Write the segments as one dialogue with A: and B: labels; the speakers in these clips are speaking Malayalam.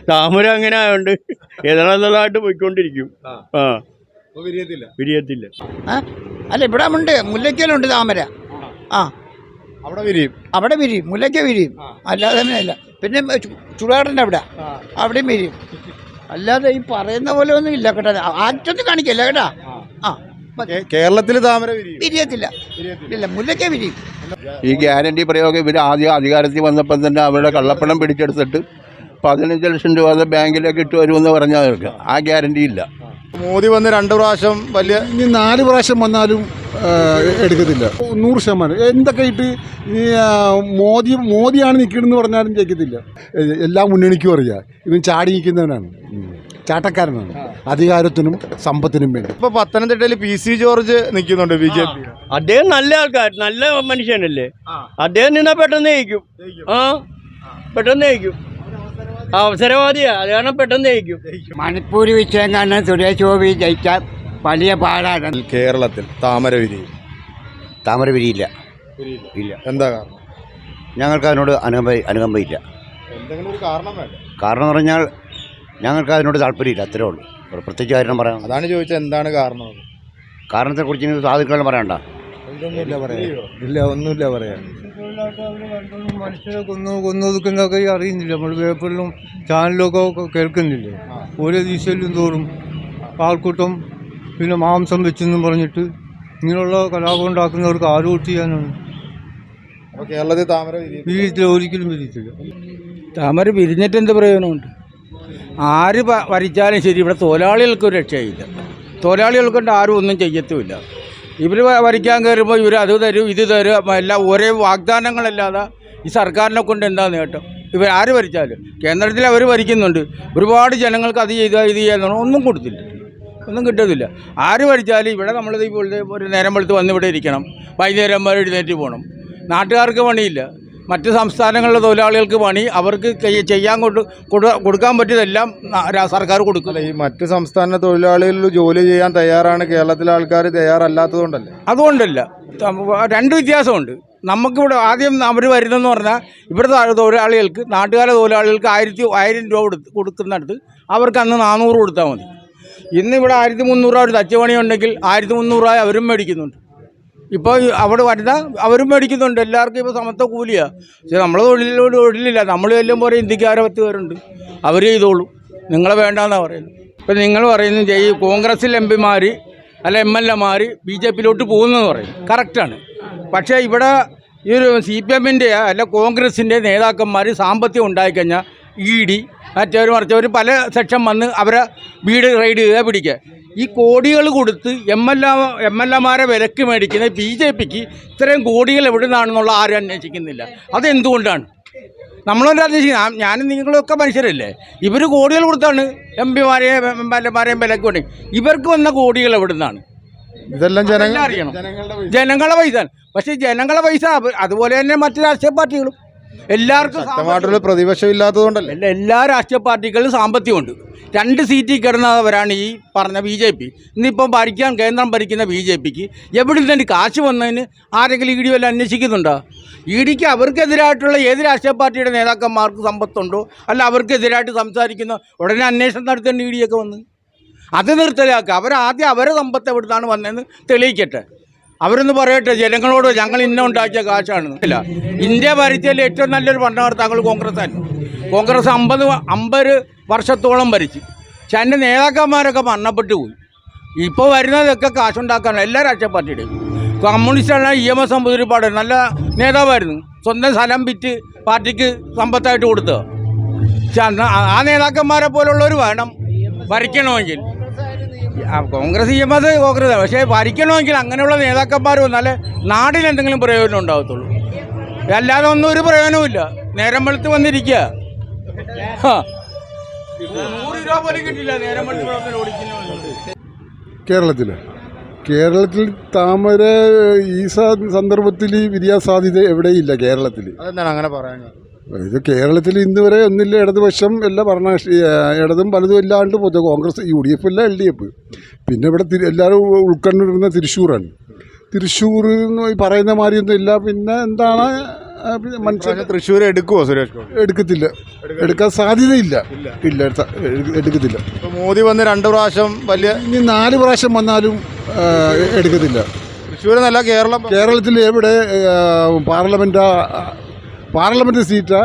A: താമര അങ്ങനെ ആയതുകൊണ്ട് ഏതാണെന്നുള്ളതായിട്ട് പോയിക്കൊണ്ടിരിക്കും. വിരിയത്തില്ല.
B: അല്ല ഇവിടെ ഉണ്ട്, മുല്ലയ്ക്കലുണ്ട് താമര. അവിടെ വിരിയും, മുല്ലയ്ക്ക വിരിയും, അല്ലാതെ തന്നെ അല്ല. പിന്നെ ചുടാടൻ്റെ അവിടെയും വിരിയും. അല്ലാതെ ഈ പറയുന്ന പോലെ ഒന്നും ഇല്ല കേട്ടോ, ആറ്റൊന്നും കാണിക്കല്ല കേട്ടാ.
C: കേരളത്തിൽ താമര
B: വിരിയത്തില്ല, ഇല്ല, മുല്ലയ്ക്ക വിരിയും.
D: ഈ ഗ്യാരണ്ടി പ്രയോഗം ഇവർ ആദ്യം അധികാരത്തിൽ വന്നപ്പം തന്നെ അവരുടെ കള്ളപ്പണം പിടിച്ചെടുത്തിട്ട് 15 ലക്ഷം രൂപ ബാങ്കിലേക്ക് ഇട്ട് വരുമെന്ന് പറഞ്ഞാൽ ആ ഗ്യാരണ്ടി ഇല്ല.
C: മോദി വന്ന് 2 പ്രാവശ്യം വലിയ,
E: ഇനി 4 പ്രാവശ്യം വന്നാലും എടുക്കത്തില്ല 100%. എന്തൊക്കെ ഇട്ട് ഈ മോദിയാണ് നിൽക്കണമെന്ന് പറഞ്ഞാലും ജയിക്കത്തില്ല. എല്ലാ മുന്നണിക്കും അറിയാം ഇവൻ ചാടി നിൽക്കുന്നവനാണ്, ചാട്ടക്കാരനാണ്, അധികാരത്തിനും സമ്പത്തിനും വേണ്ടി.
C: ഇപ്പൊ പത്തനംതിട്ടയിൽ PC ജോർജ് നിൽക്കുന്നുണ്ട് BJP.
A: അദ്ദേഹം നല്ല ആൾക്കാർ, നല്ല മനുഷ്യനല്ലേ. അദ്ദേഹം നിന്നാ പെട്ടെന്ന് ജയിക്കും. പെട്ടെന്ന് ജയിക്കും, അവസരവാദിയാ, അത് കാരണം പെട്ടെന്ന് ജയിക്കും.
B: മണിപ്പൂർ വിഷയം കാരണം സുരേഷ് ഗോപി ജയിക്കാൻ വലിയ പാടാണ്.
C: കേരളത്തിൽ താമര
F: വിരിയില്ല. ഇല്ല.
C: എന്താ കാരണം?
F: ഞങ്ങൾക്ക് അതിനോട് അനുകമ്പയില്ല.
C: എന്തെങ്കിലും ഒരു കാരണം വേണ്ട.
F: കാരണം എന്ന് പറഞ്ഞാൽ ഞങ്ങൾക്ക് അതിനോട് താല്പര്യമില്ല, അത്രേ ഉള്ളൂ. പ്രത്യേകിച്ച് കാര്യം പറയാം.
C: അതാണ് ചോദിച്ചത്, എന്താണ് കാരണം?
F: കാരണത്തെക്കുറിച്ച് സാധുക്കളും പറയണ്ട.
C: ഇല്ല, ഒന്നുമില്ല പറയാൻ.
G: മനുഷ്യരെ കൊന്നൊതുക്കുന്നതൊക്കെ അറിയുന്നില്ല. നമ്മൾ പേപ്പറിലും ചാനലിലൊക്കെ കേൾക്കുന്നില്ലേ. ഓരോ ദിശയിലും തോറും ആൾക്കൂട്ടം, പിന്നെ മാംസം വെച്ചെന്നും പറഞ്ഞിട്ട് ഇങ്ങനെയുള്ള കലാപം ഉണ്ടാക്കുന്നവർക്ക് ആരോട്ട് ചെയ്യാനാണ്.
C: കേരളത്തിൽ താമര
G: വിരിയത്തില്ല, ഒരിക്കലും വിരിയത്തില്ല.
H: താമര വിരിഞ്ഞിട്ട് എന്ത് പ്രയോജനമുണ്ട്? ആര് ഭരിച്ചാലും ശരി ഇവിടെ തൊഴിലാളികൾക്കൊരു രക്ഷയില്ല. തൊഴിലാളികൾക്കൊണ്ട് ആരും ഒന്നും ചെയ്യത്തുമില്ല. ഇവർ ഭരിക്കാൻ കയറുമ്പോൾ ഇവർ അത് തരും, ഇത് തരും, എല്ലാം ഒരേ വാഗ്ദാനങ്ങളല്ലാതെ ഈ സർക്കാരിനെ കൊണ്ട് എന്താ നേട്ടം? ഇവർ ആര് ഭരിച്ചാലും കേന്ദ്രത്തിൽ അവർ ഭരിക്കുന്നുണ്ട്, ഒരുപാട് ജനങ്ങൾക്ക് അത് ചെയ്താൽ ഇത് ചെയ്യാൻ ഒന്നും കൊടുത്തില്ല, ഒന്നും കിട്ടത്തില്ല. ആര് ഭരിച്ചാലും ഇവിടെ നമ്മളിത് ഇപ്പോഴത്തെ ഒരു നേരം വെളുത്ത് വന്ന് ഇവിടെ ഇരിക്കണം, വൈകുന്നേരം വരെ എഴുന്നേറ്റ് പോകണം. നാട്ടുകാർക്ക് പണിയില്ല, മറ്റ് സംസ്ഥാനങ്ങളിലെ തൊഴിലാളികൾക്ക് പണി, അവർക്ക് ചെയ്യാൻ കൊടുക്കാൻ പറ്റിയതെല്ലാം സർക്കാർ കൊടുക്കും.
C: ഈ മറ്റ് സംസ്ഥാന തൊഴിലാളികൾ ജോലി ചെയ്യാൻ തയ്യാറാണ്, കേരളത്തിലെ ആൾക്കാർ തയ്യാറല്ലാത്തതുകൊണ്ടല്ലേ?
H: അതുകൊണ്ടല്ല, രണ്ട് വ്യത്യാസമുണ്ട്. നമുക്കിവിടെ ആദ്യം അവർ വരുന്നതെന്ന് പറഞ്ഞാൽ ഇവിടുത്തെ തൊഴിലാളികൾക്ക്, നാട്ടുകാരെ തൊഴിലാളികൾക്ക് 1000 രൂപ കൊടുക്കുന്നിടത്ത് അവർക്ക് അന്ന് 400 കൊടുത്താൽ മതി. ഇന്നിവിടെ 1300 രൂപ ഒരു തച്ചുപണി ഉണ്ടെങ്കിൽ 1300 രൂപ അവരും മേടിക്കുന്നുണ്ട്. ഇപ്പോൾ അവിടെ വരുന്ന അവരും മേടിക്കുന്നുണ്ട്. എല്ലാവർക്കും ഇപ്പോൾ സമത്വ കൂലിയാണ്. പക്ഷേ നമ്മൾ തൊഴിലില്ല. നമ്മൾ ചെല്ലുമ്പോൾ പോലെ ഇന്ത്യക്കാരെ 10 പേരുണ്ട്, അവർ ചെയ്തോളൂ, നിങ്ങളെ വേണ്ടാന്നാണ് പറയുന്നത്. ഇപ്പം നിങ്ങൾ പറയുന്നത് ഈ കോൺഗ്രസിൽ MP-മാർ അല്ല MLA-മാർ BJP-യിലോട്ട് പോകുന്നതെന്ന് പറയും, കറക്റ്റാണ്. പക്ഷേ ഇവിടെ ഈ ഒരു CPM-ൻ്റെ അല്ല കോൺഗ്രസിൻ്റെ നേതാക്കന്മാർ സാമ്പത്തികം ഉണ്ടായിക്കഴിഞ്ഞാൽ ED മറ്റവർ പല സെക്ഷൻ വന്ന് അവരെ വീട് റെയ്ഡ് ചെയ്യുക, പിടിക്കുക. ഈ കോടികൾ കൊടുത്ത് MLA-മാരെ വിലക്ക് മേടിക്കുന്ന BJP-ക്ക് ഇത്രയും കോടികൾ എവിടെ നിന്നാണെന്നുള്ള ആരും അന്വേഷിക്കുന്നില്ല. അതെന്തുകൊണ്ടാണ്? നമ്മളൊന്നും അന്വേഷിക്കുന്നത്. ഞാനും നിങ്ങളൊക്കെ മനുഷ്യരല്ലേ. ഇവർ കോടികൾ കൊടുത്താണ് MP-മാരെയും MLA-മാരെയും വിലക്ക് വേണ്ടി. ഇവർക്ക് വന്ന കോടികൾ എവിടെ നിന്നാണ്?
C: ഇതെല്ലാം
H: അറിയണം. ജനങ്ങളുടെ പൈസ. പക്ഷേ ജനങ്ങളുടെ പൈസ അതുപോലെ തന്നെ മറ്റു രാഷ്ട്രീയ പാർട്ടികളും
C: എല്ലാവർക്കും പ്രതിപക്ഷം ഇല്ലാത്തതുകൊണ്ടല്ലേ.
H: എല്ലാ രാഷ്ട്രീയ പാർട്ടികളിലും സാമ്പത്തികമുണ്ട്. 2 സീറ്റിൽ കിടന്നവരാണ് ഈ പറഞ്ഞ BJP. ഇന്നിപ്പം കേന്ദ്രം ഭരിക്കുന്ന BJP-ക്ക് എവിടെ നിന്നൊരു കാശ് വന്നതിന് ആരെങ്കിലും ED വല്ല അന്വേഷിക്കുന്നുണ്ടോ? EDക്ക് അവർക്കെതിരായിട്ടുള്ള ഏത് രാഷ്ട്രീയ പാർട്ടിയുടെ നേതാക്കന്മാർക്ക് സമ്പത്തുണ്ടോ അല്ല അവർക്കെതിരായിട്ട് സംസാരിക്കുന്ന ഉടനെ അന്വേഷണം നടത്തേണ്ട EDയൊക്കെ വന്ന് അത് നിർത്തലാക്കുക. അവരാദ്യം അവരെ സമ്പത്ത് എവിടുന്നാണ് വന്നതെന്ന് തെളിയിക്കട്ടെ. അവരൊന്ന് പറയട്ടെ ജനങ്ങളോട്, ഞങ്ങൾ ഉണ്ടാക്കിയ കാശാണെന്ന്. ഇല്ല, ഇന്ത്യ ഭരിച്ചതിൽ ഏറ്റവും നല്ലൊരു ഭരണകർത്താക്കൾ കോൺഗ്രസ്സായിരുന്നു. കോൺഗ്രസ് 50 വർഷത്തോളം ഭരിച്ചു. പക്ഷെ അതിൻ്റെ നേതാക്കന്മാരൊക്കെ മരണപ്പെട്ടു പോയി. ഇപ്പോൾ വരുന്നതൊക്കെ കാശുണ്ടാക്കാനാണ് എല്ലാ രാഷ്ട്രീയ പാർട്ടിയുടെയും. കമ്മ്യൂണിസ്റ്റാണ് EMS നമ്പൂതിരിപ്പാട്, നല്ല നേതാവായിരുന്നു. സ്വന്തം സ്ഥലം വിറ്റ് പാർട്ടിക്ക് സമ്പത്തായിട്ട് കൊടുത്തത്. പക്ഷെ ആ നേതാക്കന്മാരെ പോലുള്ളവർ വേണം ഭരിക്കണമെങ്കിൽ. കോൺഗ്രസ് EMS കോൺഗ്രസ്, പക്ഷേ ഭരിക്കണമെങ്കിൽ അങ്ങനെയുള്ള നേതാക്കന്മാർ വന്നാലേ നാടിനെന്തെങ്കിലും പ്രയോജനം ഉണ്ടാകത്തുള്ളൂ. അല്ലാതെ ഒന്നും ഒരു പ്രയോജനവുമില്ല. നേരം വെളുത്ത് വന്നിരിക്കുക, 100 രൂപ പോലും കിട്ടില്ല നേരം വെളുത്ത് ഓടിക്കുന്നു.
E: കേരളത്തിൽ താമര ഈ സന്ദർഭത്തിൽ വിരിയാൻ സാധ്യത എവിടെയില്ല കേരളത്തിൽ.
C: അതെന്താണ് അങ്ങനെ പറയാൻ?
E: ഇത് കേരളത്തിൽ ഇന്ന് വരെ ഒന്നില്ല, ഇടതുപക്ഷം എല്ലാ ഇടതും പലതും ഇല്ലാണ്ട് പോയി. കോൺഗ്രസ്, UDF അല്ല LDF. പിന്നെ ഇവിടെ എല്ലാവരും ഉൾക്കൊണ്ടിരുന്ന തൃശ്ശൂറാണ്. തൃശ്ശൂർ എന്ന് പറയുന്ന മാതിരിയൊന്നും ഇല്ല. പിന്നെ എന്താണ് മനുഷ്യർ
C: തൃശ്ശൂർ എടുക്കുവോ സുരേഷ് ഗോപി?
E: എടുക്കത്തില്ല, എടുക്കാൻ സാധ്യതയില്ല. ഇല്ല, എടുക്കത്തില്ല.
C: ഇപ്പൊ മോദി വന്ന് 2 പ്രാവശ്യം വലിയ
E: ഇനി 4 പ്രാവശ്യം വന്നാലും എടുക്കത്തില്ല.
C: തൃശ്ശൂർ എന്നല്ല
E: കേരളത്തിൽ എവിടെ പാർലമെൻറ്റ് സീറ്റ്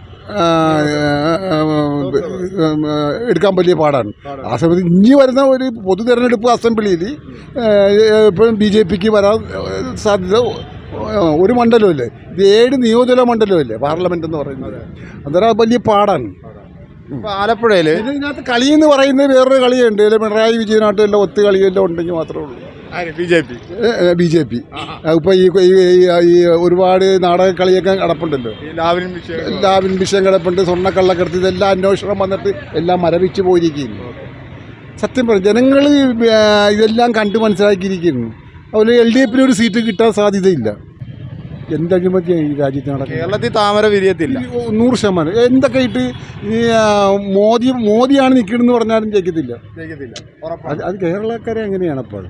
E: എടുക്കാൻ വലിയ പാടാണ്. ആ സമയത്ത് ഇനി വരുന്ന ഒരു പൊതു തെരഞ്ഞെടുപ്പ് അസംബ്ലിയിൽ ഇപ്പോഴും BJPക്ക് വരാൻ സാധ്യത ഒരു മണ്ഡലമല്ലേ, ഇത് 7 നിയോജക മണ്ഡലമല്ലേ പാർലമെന്റ് എന്ന് പറയുന്നത്. അന്നേരം വലിയ പാടാണ്.
C: ആലപ്പുഴയിൽ
E: ഇതിനകത്ത് കളിയെന്ന് പറയുന്നത് വേറൊരു കളിയുണ്ട്. പിണറായി വിജയനായിട്ട് എല്ലാം ഒത്തു കളിയെല്ലാം ഉണ്ടെങ്കിൽ മാത്രമേ ഉള്ളൂ. BJP ഇപ്പോൾ ഈ ഒരുപാട് നാടക കളിയൊക്കെ കിടപ്പുണ്ടല്ലോ. ലാവിൻ വിഷയം കിടപ്പുണ്ട്, സ്വർണ്ണക്കള്ളക്കടത്ത്, ഇതെല്ലാം അന്വേഷണം വന്നിട്ട് എല്ലാം മരവിച്ച് പോയിരിക്കുന്നു. സത്യം പറയും, ജനങ്ങൾ ഇതെല്ലാം കണ്ടു മനസ്സിലാക്കിയിരിക്കുന്നു. അതുപോലെ LDFന് ഒരു സീറ്റ് കിട്ടാൻ സാധ്യതയില്ല. എന്ത് അഴിമതിയാണ് ഈ രാജ്യത്ത് നടക്കുന്നത്?
C: കേരളത്തിൽ താമര വിരിയത്തില്ല.
E: 100%. എന്തൊക്കെ ഇട്ട് ഈ മോദിയാണ് നിൽക്കണമെന്ന് പറഞ്ഞാലും ജയിക്കത്തില്ല. അത് കേരളക്കാരെ എങ്ങനെയാണ് അപ്പോൾ?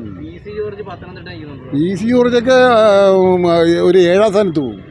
E: PC ജോർജൊക്കെ ഒരു 7ാം സ്ഥാനത്ത് പോകും.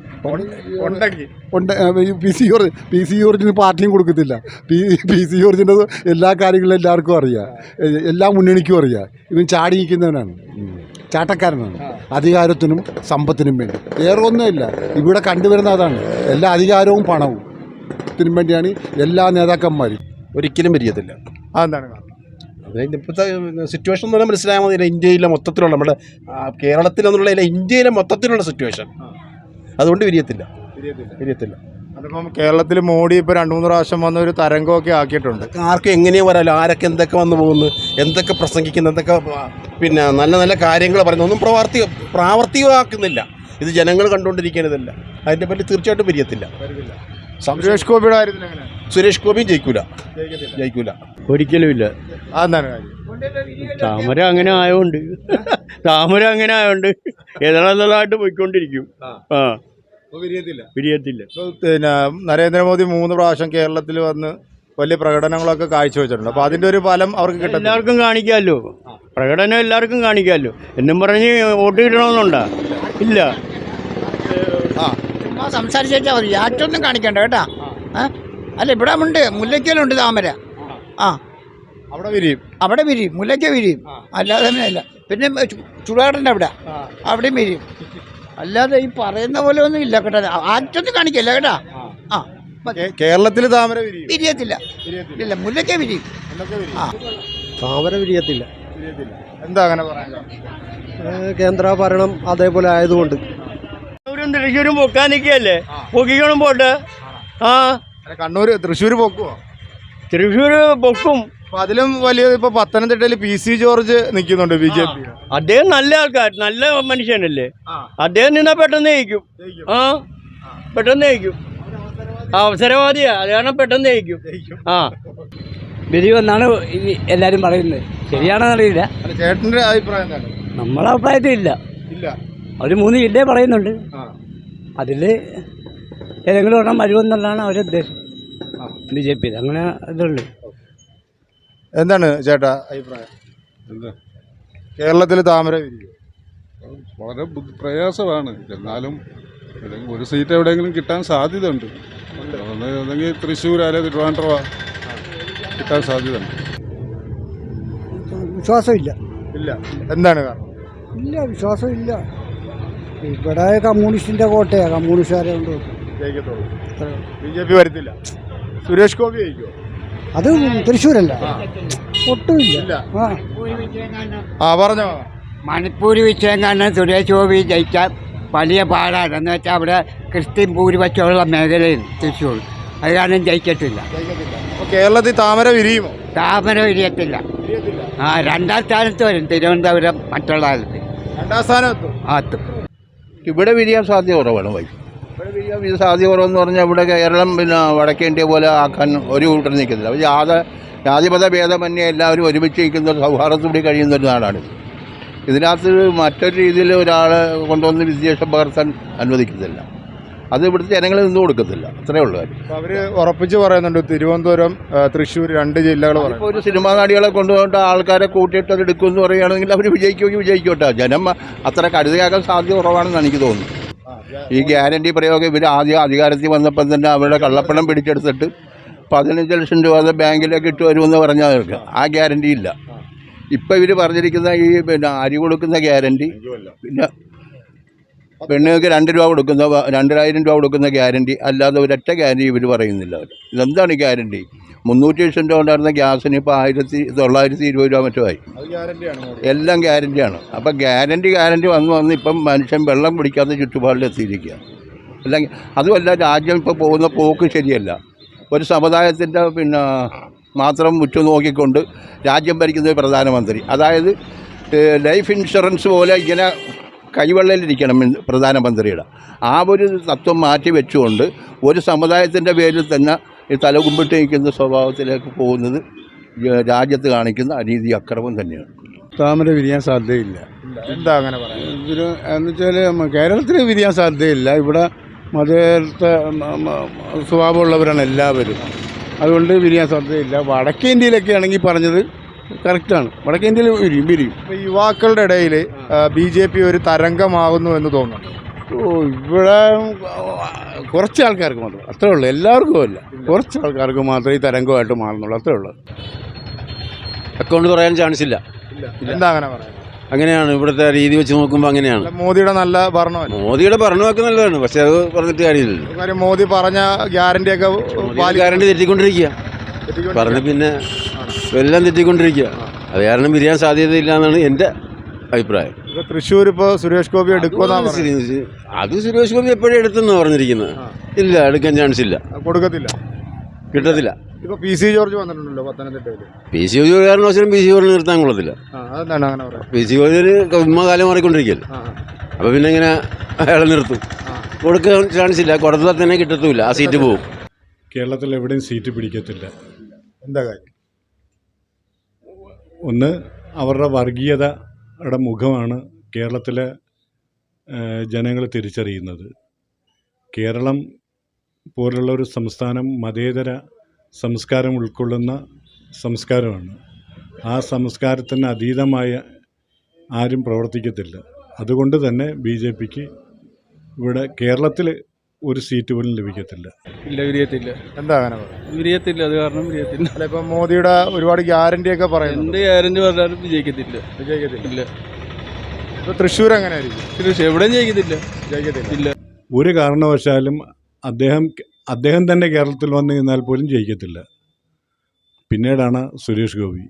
E: PC ജോർജിന് പാർട്ടിയും കൊടുക്കത്തില്ല. PC ജോർജിൻ്റെ എല്ലാ കാര്യങ്ങളും എല്ലാവർക്കും അറിയാം, എല്ലാ മുന്നണിക്കും അറിയാം. ഇവൻ ചാടി നിൽക്കുന്നവനാണ്, ചാട്ടക്കാരനാണ്. അധികാരത്തിനും സമ്പത്തിനും വേണ്ടി, വേറെ ഒന്നുമില്ല. ഇവിടെ കണ്ടുവരുന്ന അതാണ്. എല്ലാ അധികാരവും പണവും ത്തിനും വേണ്ടിയാണ് എല്ലാ നേതാക്കന്മാരും.
I: ഒരിക്കലും പിരിയത്തില്ല.
C: അതെന്താണ്?
I: അതായത് ഇപ്പോഴത്തെ സിറ്റുവേഷൻ എന്ന് പറഞ്ഞാൽ മനസ്സിലായാൽ മതി. ഇന്ത്യയിലെ മൊത്തത്തിലുള്ള, നമ്മുടെ കേരളത്തിലെന്നുള്ള ഇന്ത്യയിലെ മൊത്തത്തിലുള്ള സിറ്റുവേഷൻ, അതുകൊണ്ട് പിരിയത്തില്ല.
C: അതിപ്പം കേരളത്തിൽ മോഡി ഇപ്പോൾ 2-3 പ്രാവശ്യം വന്ന ഒരു തരംഗമൊക്കെ ആക്കിയിട്ടുണ്ട്.
I: ആർക്കും എങ്ങനെയാണ് വരാമല്ലോ, ആരൊക്കെ എന്തൊക്കെ വന്നു പോകുന്നു, എന്തൊക്കെ പ്രസംഗിക്കുന്നു, എന്തൊക്കെ പിന്നെ നല്ല നല്ല കാര്യങ്ങൾ പറയുന്നു, ഒന്നും പ്രാവർത്തികമാക്കുന്നില്ല. ഇത് ജനങ്ങൾ കണ്ടുകൊണ്ടിരിക്കുന്നതല്ല. അതിൻ്റെ പറ്റി തീർച്ചയായിട്ടും പിരിയത്തില്ല.
C: സുരേഷ് ഗോപിയുടെ കാര്യത്തിൽ എങ്ങനെ?
I: സുരേഷ് ഗോപിയും ജയിക്കൂല.
A: ഒരിക്കലും ഇല്ല.
C: അതെന്താണ് കാര്യം?
A: താമര അങ്ങനെ ആയതുകൊണ്ട് ഏതാളായിട്ട് പോയിക്കൊണ്ടിരിക്കും. പിരിയത്തില്ല.
C: പിന്നെ നരേന്ദ്രമോദി 3 പ്രാവശ്യം കേരളത്തിൽ വന്ന് വലിയ പ്രകടനങ്ങളൊക്കെ കാഴ്ചവെച്ചിട്ടുണ്ട്. അപ്പോൾ അതിൻ്റെ ഒരു ഫലം അവർക്ക് കിട്ടും.
A: എല്ലാവർക്കും കാണിക്കാമല്ലോ, പ്രകടനം എല്ലാവർക്കും കാണിക്കാമല്ലോ. എന്നും പറഞ്ഞ് വോട്ട് കിട്ടണമെന്നുണ്ടോ? ഇല്ല.
B: സംസാരിച്ചാൽ മതി, ആറ്റൊന്നും കാണിക്കണ്ട കേട്ടാ. അല്ല, ഇവിടെ ഉണ്ട്, മുല്ലയ്ക്കലുണ്ട് താമര.
C: അവിടെ വിരിയും,
B: മുല്ലയ്ക്ക വിരിയും. അല്ലാതെ അല്ല. പിന്നെ ചുടാടൻ്റെ അവിടെയും വിരിയും. അല്ലാതെ ഈ പറയുന്ന പോലെ ഒന്നും ഇല്ല കേട്ടോ. ആറ്റൊന്നും കാണിക്കല്ല കേട്ടാ.
C: കേരളത്തിൽ താമര
B: വിരിയത്തില്ല. ഇല്ല, മുല്ലയ്ക്ക വിരിയും.
G: താമര വിരിയത്തില്ല.
C: എന്താ അങ്ങനെ പറയാൻ?
G: കേന്ദ്ര ഭരണം അതേപോലെ ആയതുകൊണ്ട്.
A: തൃശ്ശൂരും പൊക്കാൻ നിൽക്കുകയല്ലേ, പൊക്കിക്കണം പോട്ടെ.
C: തൃശ്ശൂർ പൊക്കുവോ?
A: തൃശ്ശൂർ പൊക്കും.
C: അതിലും വലിയ ഇപ്പൊ പത്തനംതിട്ടയിൽ PC ജോർജ് നിൽക്കുന്നുണ്ട്, BJP.
A: അദ്ദേഹം നല്ല നല്ല മനുഷ്യനല്ലേ. അദ്ദേഹം നിന്നാ പെട്ടെന്ന് ജയിക്കും. പെട്ടെന്ന് ജയിക്കും. അവസരവാദിയാ, അത് കാരണം പെട്ടെന്ന് ജയിക്കും.
H: വരുമെന്നാണ് എല്ലാവരും പറയുന്നത്. ശരിയാണെന്ന് അറിയില്ല.
C: ചേട്ടന്റെ അഭിപ്രായം എന്താണ്?
H: നമ്മളെ അഭിപ്രായത്തിൽ ഇല്ല. അവർ 3 ജില്ലയെ പറയുന്നുണ്ട്. അതിൽ ഏതെങ്കിലും ഒരെണ്ണം വരുമെന്നുള്ളതാണ് അവരുടെ ഉദ്ദേശം. BJP അങ്ങനെ ഇതുള്ളൂ.
C: എന്താണ് ചേട്ടാ അഭിപ്രായം? കേരളത്തിൽ താമര വിരിയും?
E: വളരെ പ്രയാസമാണ്. എന്നാലും ഒരു സീറ്റ് എവിടെയെങ്കിലും കിട്ടാൻ സാധ്യത ഉണ്ട്. അല്ലെങ്കിൽ തൃശ്ശൂർ അല്ലെങ്കിൽ തിരുവനന്തപുരം കിട്ടാൻ സാധ്യത ഉണ്ട്.
G: വിശ്വാസമില്ല.
C: എന്താണ് കാരണം?
G: ഇല്ല, വിശ്വാസമില്ല. ഇവിടെ കമ്മ്യൂണിസ്റ്റിൻ്റെ കോട്ടയാണ്, കമ്മ്യൂണിസ്റ്റുകാരെ കൊണ്ട്
C: BJP വരത്തില്ല. സുരേഷ് ഗോപി ജയിക്കുമോ?
G: അത് തൃശ്ശൂരല്ല, ഒട്ടുമില്ല.
C: പറഞ്ഞോ.
B: മണിപ്പൂർ വിഷയം സുരേഷ് ഗോപി ജയിക്കാൻ വലിയ പാടാണ്. എന്ന് വെച്ചാൽ അവിടെ ക്രിസ്ത്യൻ ഭൂരിപക്ഷമുള്ള മേഖലയിൽ തൃശ്ശൂർ, അത് കാരണം ജയിക്കത്തില്ല.
C: കേരളത്തിൽ താമര വിരിയുമോ?
B: താമര വിരിയത്തില്ല. 2ാം സ്ഥാനത്ത് വരും തിരുവനന്തപുരം, മറ്റുള്ള കാലത്ത്
C: 2ാം സ്ഥാനത്ത്
D: ഇവിടെ വിരിയാൻ സാധ്യത കുറവാണ്. ഇവിടെ വിരിയാൻ സാധ്യത കുറവെന്ന് പറഞ്ഞാൽ ഇവിടെ കേരളം പിന്നെ വടക്കേ ഇന്ത്യ പോലെ ആക്കാൻ ഒരു കൂട്ടർ നിൽക്കുന്നില്ല. ജാതിമത ഭേദമന്യേ എല്ലാവരും ഒരുമിച്ച് നിൽക്കുന്ന സൗഹാർദ്ദത്തോടെ കഴിയുന്ന ഒരു നാടാണിത്. ഇതിനകത്ത് മറ്റൊരു രീതിയിൽ ഒരാളെ കൊണ്ടുവന്ന് വിദ്വേഷം പകർത്താൻ അനുവദിക്കുന്നില്ല. അത് ഇവിടുത്തെ ജനങ്ങൾ നിന്ന് കൊടുക്കത്തില്ല. അത്രേ ഉള്ളൂ കാര്യം.
C: അവർ ഉറപ്പിച്ച് പറയുന്നുണ്ട് തിരുവനന്തപുരം, തൃശ്ശൂർ 2 ജില്ലകൾ.
D: ഇപ്പോൾ ഒരു സിനിമാ നടികളെ കൊണ്ടുപോയിട്ട് ആൾക്കാരെ കൂട്ടിയിട്ട് അത് എടുക്കുമെന്ന് പറയുകയാണെങ്കിൽ അവർ വിജയിക്കുമെങ്കിൽ വിജയിക്കോട്ടെ. ജനം അത്ര കരുതയാക്കാൻ സാധ്യത കുറവാണെന്ന് എനിക്ക് തോന്നുന്നു. ഈ ഗ്യാരണ്ടി പ്രയോഗം ഇവർ ആദ്യം അധികാരത്തിൽ വന്നപ്പം തന്നെ അവരുടെ കള്ളപ്പണം പിടിച്ചെടുത്തിട്ട് 15 ലക്ഷം രൂപ ബാങ്കിലേക്ക് ഇട്ട് വരുമെന്ന് പറഞ്ഞവർക്ക് ആ ഗ്യാരണ്ടി ഇല്ല. ഇപ്പം ഇവർ പറഞ്ഞിരിക്കുന്ന ഈ പിന്നെ അരി കൊടുക്കുന്ന ഗ്യാരണ്ടി, പിന്നെ പെണ്ണുങ്ങൾക്ക് 2 രൂപ കൊടുക്കുന്ന 2000 രൂപ കൊടുക്കുന്ന ഗ്യാരണ്ടി അല്ലാതെ ഒരൊറ്റ ഗ്യാരണ്ടി ഇവർ പറയുന്നില്ല. ഇതെന്താണ് ഈ ഗ്യാരണ്ടി? 300 ലക്ഷം രൂപ ഉണ്ടായിരുന്ന ഗ്യാസിന് ഇപ്പോൾ 1920 രൂപ മറ്റോ ആയി. എല്ലാം ഗ്യാരണ്ടിയാണ്. അപ്പം ഗ്യാരണ്ടി വന്ന് ഇപ്പം മനുഷ്യൻ വെള്ളം പിടിക്കാത്ത ചുറ്റുപാടിലെത്തിയിരിക്കുക. അല്ലെങ്കിൽ അതുമല്ല, രാജ്യം ഇപ്പോൾ പോകുന്ന പോക്ക് ശരിയല്ല. ഒരു സമുദായത്തിൻ്റെ പിന്നെ മാത്രം ഉറ്റുനോക്കിക്കൊണ്ട് രാജ്യം ഭരിക്കുന്ന ഒരു പ്രധാനമന്ത്രി, അതായത് ലൈഫ് ഇൻഷുറൻസ് പോലെ ഇങ്ങനെ കൈവെള്ളയിലിരിക്കണം പ്രധാനമന്ത്രിയുടെ. ആ ഒരു തത്വം മാറ്റി വെച്ചുകൊണ്ട് ഒരു സമുദായത്തിൻ്റെ പേരിൽ തന്നെ ഈ തലകുമ്പിട്ട് നിൽക്കുന്ന സ്വഭാവത്തിലേക്ക് പോകുന്നത് രാജ്യത്ത് കാണിക്കുന്ന അനീതി അക്രമം തന്നെയാണ്.
E: താമര വിരിയാൻ സാധ്യതയില്ല.
C: എന്താ അങ്ങനെ പറയുന്നത്?
E: ഇതിന് എന്ന് വെച്ചാൽ കേരളത്തിൽ വിരിയാൻ സാധ്യതയില്ല. ഇവിടെ മതേതര സ്വഭാവമുള്ളവരാണ് എല്ലാവരും, അതുകൊണ്ട് വിരിയാൻ സാധ്യതയില്ല. വടക്കേ ഇന്ത്യയിലൊക്കെ ആണെങ്കിൽ പറഞ്ഞത് കറക്റ്റാണ്. വടക്കേ ഇന്ത്യയിൽ വിരിയും.
C: ഇപ്പോൾ യുവാക്കളുടെ ഇടയിൽ BJP ഒരു തരംഗമാകുന്നു എന്ന് തോന്നുന്നു.
E: ഇവിടെ കുറച്ച് ആൾക്കാർക്ക് മാത്രം, അത്രേ ഉള്ളൂ. എല്ലാവർക്കും അല്ല, കുറച്ച് ആൾക്കാർക്ക് മാത്രമേ ഈ തരംഗമായിട്ട് മാറുന്നുള്ളൂ, അത്രേ ഉള്ളൂ.
J: അക്കൗണ്ട് പറയാൻ ചാൻസ് ഇല്ല.
C: എന്താ അങ്ങനെ പറയുന്നത്?
J: അങ്ങനെയാണ് ഇവിടുത്തെ രീതി വെച്ച് നോക്കുമ്പോൾ അങ്ങനെയാണ്.
C: മോദിയുടെ നല്ല ഭരണമല്ല.
J: മോദിയുടെ ഭരണമൊക്കെ നല്ലതാണ്, പക്ഷെ അത് പറഞ്ഞിട്ട് കാര്യമില്ലല്ലോ.
C: കാര്യം മോദി പറഞ്ഞ ഗ്യാരണ്ടിയൊക്കെ
J: ഗ്യാരണ്ടി തെറ്റിക്കൊണ്ടിരിക്കുക പറഞ്ഞ്, പിന്നെ എല്ലാം തെറ്റിക്കൊണ്ടിരിക്കുക. അത് കാരണം വിരിയാൻ സാധ്യതയില്ല എന്നാണ് എൻ്റെ അഭിപ്രായം.
C: തൃശ്ശൂർ ഇപ്പോൾ സുരേഷ് ഗോപി എടുക്കുമെന്നാണ്
J: അത് സുരേഷ് ഗോപി എപ്പോഴും എടുത്തെന്നാണ് പറഞ്ഞിരിക്കുന്നത്. ഇല്ല, എടുക്കാൻ ചാൻസ് ഇല്ല,
C: കൊടുക്കത്തില്ല,
J: കിട്ടത്തില്ല.
C: ഇപ്പോൾ PC ജോർജ് വന്നിട്ടുണ്ടല്ലോ പത്തനംതിട്ടയിൽ.
J: PC ജോർജ് കാരണവശാലും PC ജോർജിന് നിർത്താൻ കൊള്ളത്തില്ല.
C: അതെന്താണ് അങ്ങനെ പറയാം?
J: PC ജോർജിന് കാലം മാറിക്കൊണ്ടിരിക്കുകയല്ലേ. അപ്പോൾ പിന്നെ ഇങ്ങനെ അയാളെ നിർത്തും. കൊടുക്കാൻ ചാൻസ് ഇല്ല, കൊടുത്താൽ തന്നെ കിട്ടത്തുമില്ല, ആ സീറ്റ് പോകും.
E: കേരളത്തിൽ എവിടെയും സീറ്റ് പിടിക്കത്തില്ല.
C: എന്താ കാര്യം?
E: ഒന്ന്, അവരുടെ വർഗീയതയുടെ മുഖമാണ് കേരളത്തിലെ ജനങ്ങൾ തിരിച്ചറിയുന്നത്. കേരളം പോലുള്ള ഒരു സംസ്ഥാനം മതേതര സംസ്കാരം ഉൾക്കൊള്ളുന്ന സംസ്കാരമാണ്. ആ സംസ്കാരത്തിന് അതീതമായ ആരും പ്രവർത്തിക്കത്തില്ല. അതുകൊണ്ട് തന്നെ BJPക്ക് ഇവിടെ കേരളത്തിൽ ഒരു സീറ്റ് പോലും ലഭിക്കത്തില്ല.
H: ഇല്ല, വിരിയത്തില്ല.
C: എന്താ അങ്ങനെ പറയാം?
H: വിരിയത്തില്ല, അത് കാരണം വിരിയത്തില്ല.
C: അല്ല, ഇപ്പം മോദിയുടെ ഒരുപാട് ഗ്യാരണ്ടിയൊക്കെ പറയുന്നു.
H: എന്ത് ഗ്യാരണ്ടി പറഞ്ഞാലും വിജയിക്കത്തില്ല.
C: ഇല്ല. ഇപ്പോൾ തൃശ്ശൂർ എങ്ങനെ ആയിരിക്കും?
H: എവിടെയും ജയിക്കത്തില്ല.
C: ഇല്ല.
E: ഒരു കാരണവശാലും അദ്ദേഹം തന്നെ കേരളത്തിൽ വന്നു നിന്നാൽ പോലും ജയിക്കത്തില്ല. പിന്നീടാണ് സുരേഷ് ഗോപി.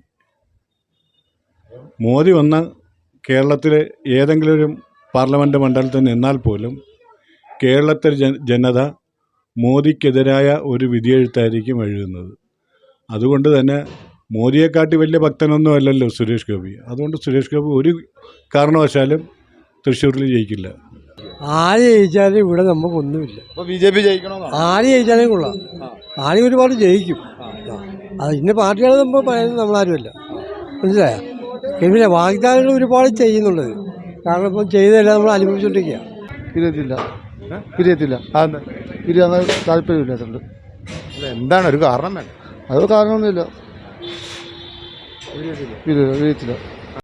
E: മോദി വന്ന കേരളത്തിലെ ഏതെങ്കിലും ഒരു പാർലമെൻറ്റ് മണ്ഡലത്തിൽ നിന്നാൽ പോലും കേരളത്തിലെ ജനത മോദിക്കെതിരായ ഒരു വിധിയെഴുത്തായിരിക്കും എഴുതുന്നത്. അതുകൊണ്ട് തന്നെ മോദിയെക്കാട്ടി വലിയ ഭക്തനൊന്നും അല്ലല്ലോ സുരേഷ് ഗോപി. അതുകൊണ്ട് സുരേഷ് ഗോപി ഒരു കാരണവശാലും തൃശ്ശൂരിൽ ജയിക്കില്ല.
G: ആര് ജയിച്ചാലും ഇവിടെ നമുക്കൊന്നുമില്ല.
C: BJP ജയിക്കണമെന്നോ?
G: ആര് ജയിച്ചാലും കൊള്ളാം. ആര് ഒരുപാട് ജയിക്കും. അത് ഇന്ന പാർട്ടികളെ നമ്മൾ പറയുന്നത് നമ്മളാരുമല്ല, മനസ്സിലായോ? പിന്നെ വാഗ്ദാനങ്ങൾ ഒരുപാട് ചെയ്യുന്നുള്ളത്, കാരണം ഇപ്പം ചെയ്തതെല്ലാം നമ്മൾ അനുഭവിച്ചുകൊണ്ടിരിക്കുക.
E: പിരിയത്തില്ല. പിരിയാൻ താല്പര്യമില്ലാത്തുണ്ട്.
C: എന്താണ് ഒരു കാരണം? വേണ്ട,
E: അത് കാരണമൊന്നുമില്ല. പിരിയത്തില്ല.